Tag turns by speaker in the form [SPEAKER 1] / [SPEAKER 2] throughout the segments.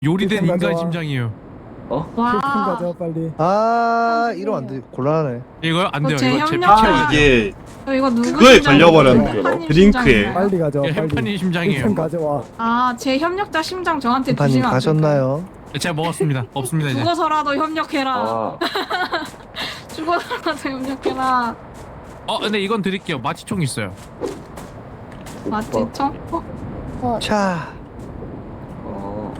[SPEAKER 1] 요리된 인간
[SPEAKER 2] 가져와.
[SPEAKER 1] 심장이에요.
[SPEAKER 2] 킬큰
[SPEAKER 3] 와.
[SPEAKER 2] 가져 빨리.
[SPEAKER 4] 아 이러면 안 돼. 곤란하네.
[SPEAKER 1] 이거 안 돼요.
[SPEAKER 3] 제
[SPEAKER 1] 이거 제
[SPEAKER 3] 협력-
[SPEAKER 1] 피치해야 돼요.
[SPEAKER 5] 이게
[SPEAKER 3] 이거 누구
[SPEAKER 5] 그거에
[SPEAKER 3] 심장이에요?
[SPEAKER 5] 걸려버렸네,
[SPEAKER 3] 햄파님
[SPEAKER 5] 드링크에.
[SPEAKER 3] 심장인가요?
[SPEAKER 2] 빨리 가져와
[SPEAKER 1] 이거
[SPEAKER 2] 빨리.
[SPEAKER 1] 햄파님 심장이에요.
[SPEAKER 2] 킬큰 가져와.
[SPEAKER 3] 아, 제 협력자 심장 저한테
[SPEAKER 4] 햄파님
[SPEAKER 3] 주시면 안 될까요?
[SPEAKER 4] 가셨나요?
[SPEAKER 1] 제가 먹었습니다. 없습니다 이제.
[SPEAKER 3] 죽어서라도 협력해라.
[SPEAKER 6] 아,
[SPEAKER 3] 죽어서라도 협력해라.
[SPEAKER 1] 근데 이건 드릴게요. 마취총 있어요.
[SPEAKER 3] 맞지? 청?
[SPEAKER 4] 자,
[SPEAKER 6] 어.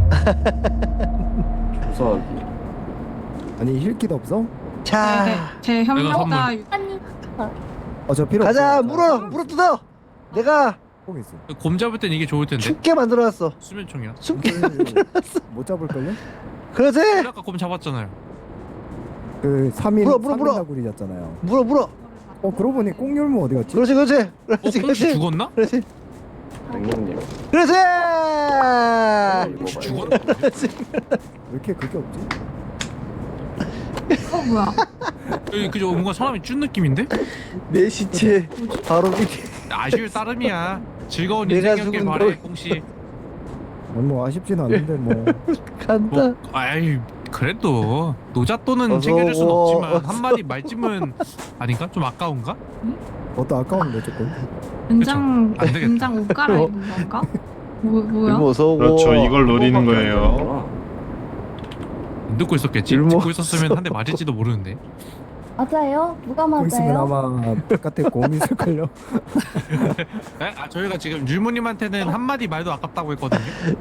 [SPEAKER 6] 조사하기.
[SPEAKER 2] 아니 힐킷 없어?
[SPEAKER 3] 네,
[SPEAKER 4] 자,
[SPEAKER 3] 제 협력자
[SPEAKER 7] 아니
[SPEAKER 2] 저 필요
[SPEAKER 4] 가자.
[SPEAKER 2] 없어.
[SPEAKER 4] 물어 뜯어. 내가
[SPEAKER 2] 꼭 있어.
[SPEAKER 1] 곰 잡을 땐 이게 좋을 텐데.
[SPEAKER 4] 춥게 만들어놨어.
[SPEAKER 1] 수면총이야.
[SPEAKER 4] 춥게.
[SPEAKER 2] 못 잡을걸요?
[SPEAKER 4] 그러지?
[SPEAKER 1] 아까 곰 잡았잖아요.
[SPEAKER 2] 그 3일
[SPEAKER 4] 물어.
[SPEAKER 2] 나구리였잖아요.
[SPEAKER 4] 물어.
[SPEAKER 2] 그러고 보니 꽁율무 어디 갔지?
[SPEAKER 4] 그렇지.
[SPEAKER 1] 꽁치 죽었나?
[SPEAKER 4] 그렇지.
[SPEAKER 6] 백룡님.
[SPEAKER 4] 그렇지.
[SPEAKER 1] 혹시
[SPEAKER 6] 이거
[SPEAKER 1] 죽었나?
[SPEAKER 2] 왜 이렇게 그게 없지?
[SPEAKER 3] 뭐야?
[SPEAKER 1] 여기 그저 뭔가 사람이 준 느낌인데?
[SPEAKER 4] 내 시체 바로 밑에.
[SPEAKER 1] 아쉬울 따름이야. 즐거운
[SPEAKER 4] 내가
[SPEAKER 1] 인생이었길
[SPEAKER 4] 죽은
[SPEAKER 1] 바래
[SPEAKER 4] 걸.
[SPEAKER 1] 꽁씨.
[SPEAKER 2] 뭐 아쉽지는 않는데 뭐.
[SPEAKER 4] 간다.
[SPEAKER 1] 아이 그래도 노잣돈은
[SPEAKER 4] 어서
[SPEAKER 1] 챙겨줄 순
[SPEAKER 4] 오고.
[SPEAKER 1] 없지만 한 마리 말찜은 아닌가? 좀 아까운가?
[SPEAKER 2] 그것도 아까운데 조금.
[SPEAKER 3] 은장
[SPEAKER 1] 안 되겠다.
[SPEAKER 3] 은장 옷 갈아입은 건가? 뭐야?
[SPEAKER 4] 일모 어서 오고.
[SPEAKER 5] 그렇죠. 이걸 노리는 거예요.
[SPEAKER 1] 안 듣고 있었겠지.
[SPEAKER 4] 일모.
[SPEAKER 1] 듣고 있었으면 한 대 맞을지도 모르는데.
[SPEAKER 7] 맞아요? 누가
[SPEAKER 2] 거 있으면
[SPEAKER 7] 맞아요?
[SPEAKER 2] 아마 바깥에 곰이 있을걸요.
[SPEAKER 1] 저희가 지금 율무님한테는 한 마디 말도 아깝다고 했거든요.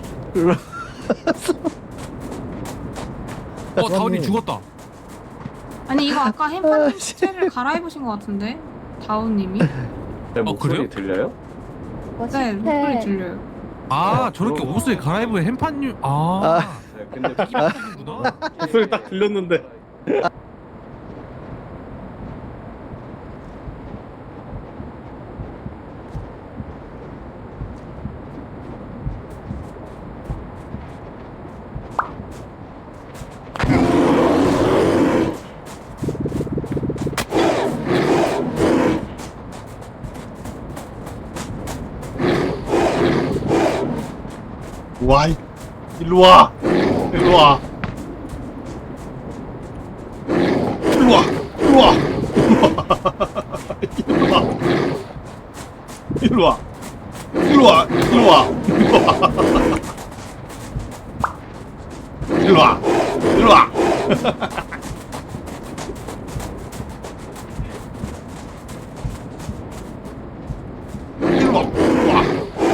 [SPEAKER 1] 다운이 죽었다.
[SPEAKER 3] 아니 이거 아까 햄파님 시체를 갈아입으신 것 같은데 다운님이?
[SPEAKER 6] 내 목소리
[SPEAKER 1] 그래요?
[SPEAKER 6] 들려요?
[SPEAKER 3] 네 목소리 들려요.
[SPEAKER 1] 저렇게 옷을 갈아입은 햄판유.
[SPEAKER 6] 네, 근데
[SPEAKER 1] 구나.
[SPEAKER 5] 목소리 딱 들렸는데. 와, 일로 와. 일로 와. 일로 와. 일로 와. 일로 와. 일로 와. 일로 와. 일로 와. 일로 와. 일로 와. 일로 와. 일로 와.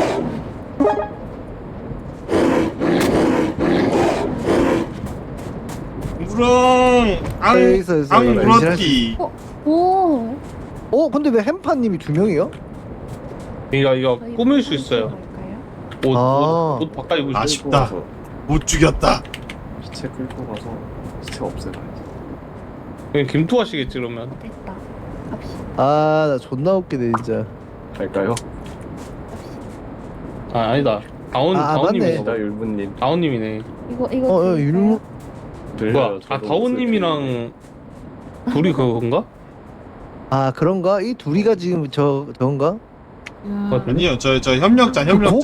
[SPEAKER 5] 무릉
[SPEAKER 4] 있어.
[SPEAKER 5] 앙 물었기.
[SPEAKER 7] 오.
[SPEAKER 4] 근데 왜 햄파님이 두 명이요?
[SPEAKER 8] 이거
[SPEAKER 7] 저희
[SPEAKER 8] 꾸밀 수
[SPEAKER 7] 무슨
[SPEAKER 8] 있어요.
[SPEAKER 7] 걸까요?
[SPEAKER 8] 옷 바꿔 입을 수 있어요.
[SPEAKER 5] 아쉽다. 못 죽였다.
[SPEAKER 6] 시체 끌고 가서 시체 없애봐야지.
[SPEAKER 8] 그냥 김투하시겠지 그러면.
[SPEAKER 7] 됐다. 갑시다.
[SPEAKER 4] 나 존나 웃기네 진짜.
[SPEAKER 6] 갈까요?
[SPEAKER 8] 아니다.
[SPEAKER 4] 맞네.
[SPEAKER 8] 다운님이네.
[SPEAKER 6] 시다 율무님.
[SPEAKER 8] 다운님이네.
[SPEAKER 7] 이거
[SPEAKER 4] 율무.
[SPEAKER 6] 들려요.
[SPEAKER 8] 뭐야? 다운님이랑 둘이 그건가?
[SPEAKER 4] 그런가? 이 둘이가 지금 저건가?
[SPEAKER 3] 야,
[SPEAKER 5] 아니요, 저 협력자.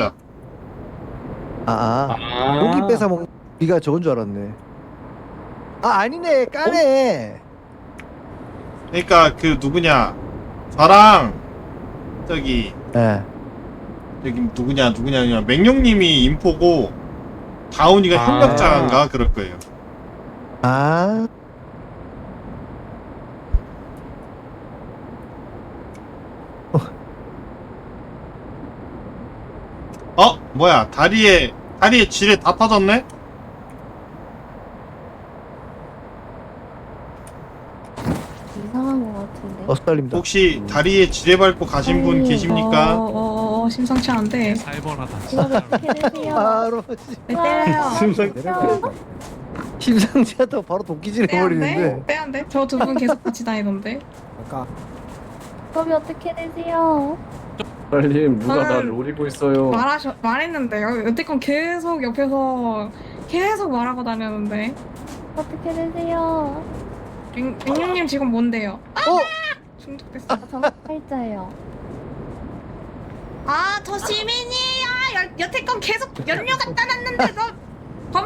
[SPEAKER 4] 고기 뺏어 먹는 네가 저건 줄 알았네. 아니네. 까네.
[SPEAKER 5] 그러니까 그 누구냐? 저랑 저기
[SPEAKER 4] 예.
[SPEAKER 5] 누구냐? 맹룡님이 인포고 다운이가 협력자인가 그럴 거예요. 뭐야? 다리에 지뢰 다 터졌네?
[SPEAKER 7] 이상한 것 같은데.
[SPEAKER 4] 어스달립니다.
[SPEAKER 5] 혹시 다리에 지뢰 밟고 가신 분 계십니까?
[SPEAKER 3] 심상치 않은데.
[SPEAKER 1] 살벌하다.
[SPEAKER 7] 이거 어떻게 되세요?
[SPEAKER 4] 바로
[SPEAKER 3] 왜 때려요?
[SPEAKER 2] 내려가니까.
[SPEAKER 4] 심상치 않다고 바로 도끼질 해버리는데.
[SPEAKER 3] 빼안돼? 저 두 분 계속 같이 다니던데.
[SPEAKER 2] 아까
[SPEAKER 7] 법이 어떻게 되세요?
[SPEAKER 6] 빨리 누가 나
[SPEAKER 3] 저는
[SPEAKER 6] 노리고 있어요.
[SPEAKER 3] 말했는데요. 여태껏 계속 옆에서 계속 말하고 다녔는데.
[SPEAKER 7] 어떻게 되세요?
[SPEAKER 3] 맹룡님 지금 뭔데요? 중독됐어.
[SPEAKER 7] 저 팔자예요.
[SPEAKER 3] 저 시민이 여태껏 계속 연료 갖다 놨는데 너